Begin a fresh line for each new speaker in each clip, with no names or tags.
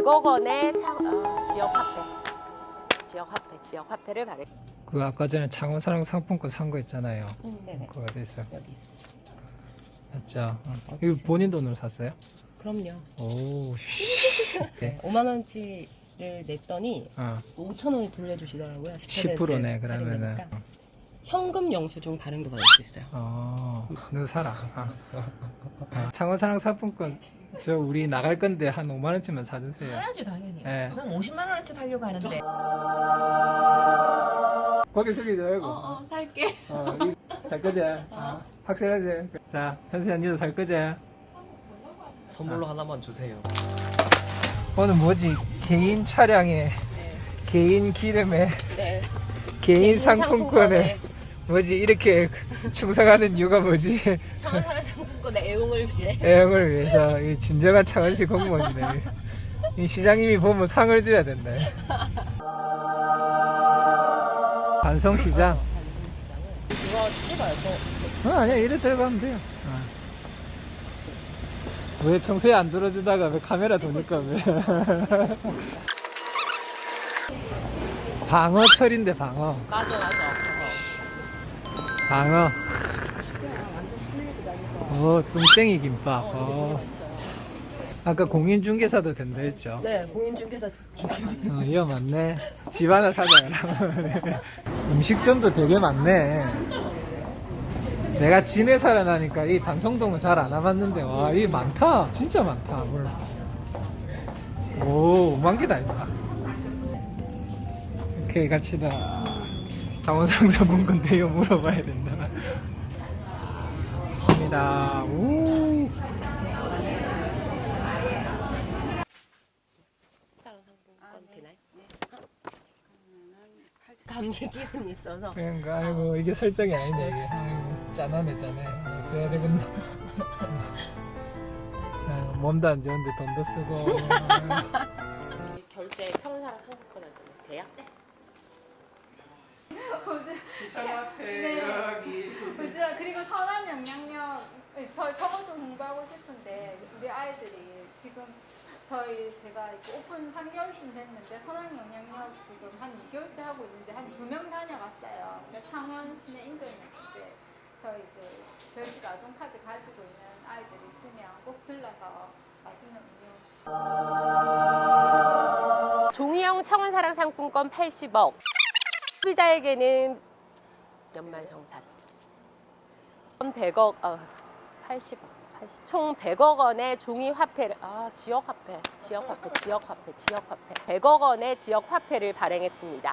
100억 원의 지역 화폐를 발행.
그 아까 전에 창원사랑 상품권 산 거 있잖아요.
네네.
그거 어디 있어?
여기 있어.
맞죠? 이거 본인 돈으로 샀어요?
그럼요.
오.
네, 5만 원치를 냈더니 5천 원이 돌려주시더라고요.
10%네 그러면은.
현금 영수증 발행도 받을 수 있어요.
너 사라. 창원사랑 상품권 저 우리 나갈 건데 한 5만 원치만 사주세요.
사야지 당연히.
네.
난 50만 원어치 살려고 하는데.
거기 숙이지 말고.
살게.
살 거지? 확실하지? 자, 현수야 니도 살 거지?
선물로 하나만 주세요.
오늘 뭐지? 개인 차량에 개인 기름에
네.
개인 상품권에 뭐지? 이렇게 충성하는 이유가 뭐지?
창원사랑 상품권의 애용을 위해.
애형을 위해서 이 진정한 창원시 공무원이네. 이 시장님이 보면 상을 줘야 된다. 반성시장.
이거 찍어요.
아니야 이래 들어가면 돼요. 왜 평소에 안 들어주다가 왜 카메라 도니까 왜? 방어철인데 방어.
맞아.
방어. 뚱땡이 김밥. 아까 공인중개사도 된다 했죠?
네, 공인중개사
이거 맞네. 집 하나 사자 그러면. 음식점도 되게 많네. 내가 진해 살아나니까 이 반성동은 잘 안 와봤는데 와, 이 많다. 진짜 많다. 오, 5만 개다 이거. 오케이 갑시다. 창원상사분권 대요 물어봐야 된다. 맞습니다. 오.
상품권 되나요? 감기 기운이 있어서.
그러니까 아이고 이게 설정이 아니네 이게. 아이고 짠하네. 어째야 되겠나. 몸도 안 좋은데 돈도 쓰고.
결제 창원사랑 상품권 할 거면 돼요?
부지런 그리고 선한 영향력 저거 좀 공부하고 싶은데 우리 아이들이 지금 제가 이렇게 오픈 3개월쯤 됐는데 선한 영향력 지금 한 2개월째 하고 있는데 한 2명 다녀갔어요. 그러니까 창원 시내 인근에 이제 저희 별식 아동카드 가지고 있는 아이들 있으면 꼭 들러서 맛있는 음료.
종이형 창원사랑 상품권 80억. 소비자에게는 연말정산 100억 80억 총 100억 원의 종이 화폐를 지역 화폐 100억 원의 지역 화폐를 발행했습니다.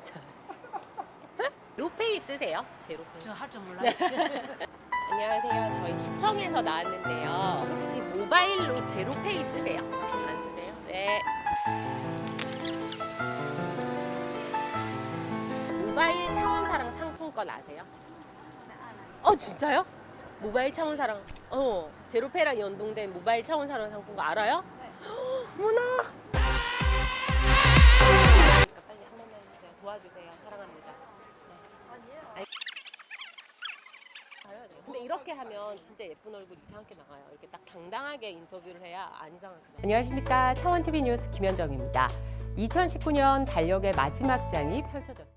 제로페이 쓰세요? 제로페이.
저 할 줄 몰라요.
안녕하세요. 저희 시청에서 나왔는데요. 혹시 모바일로 제로페이 쓰세요? 안 쓰세요? 네. 모바일 창원사랑 상품권 아세요? 진짜요? 모바일 창원사랑 제로페이랑 연동된 모바일 창원사랑 상품권 알아요? 네. 어머나. 빨리 한 번만 해주세요. 도와주세요. 사랑합니다. 네. 근데 이렇게 하면 진짜 예쁜 얼굴 이상하게 나와요. 이렇게 딱 당당하게 인터뷰를 해야 안 이상하게 나와요. 안녕하십니까. 창원TV 뉴스 김현정입니다. 2019년 달력의 마지막 장이 펼쳐졌습니다.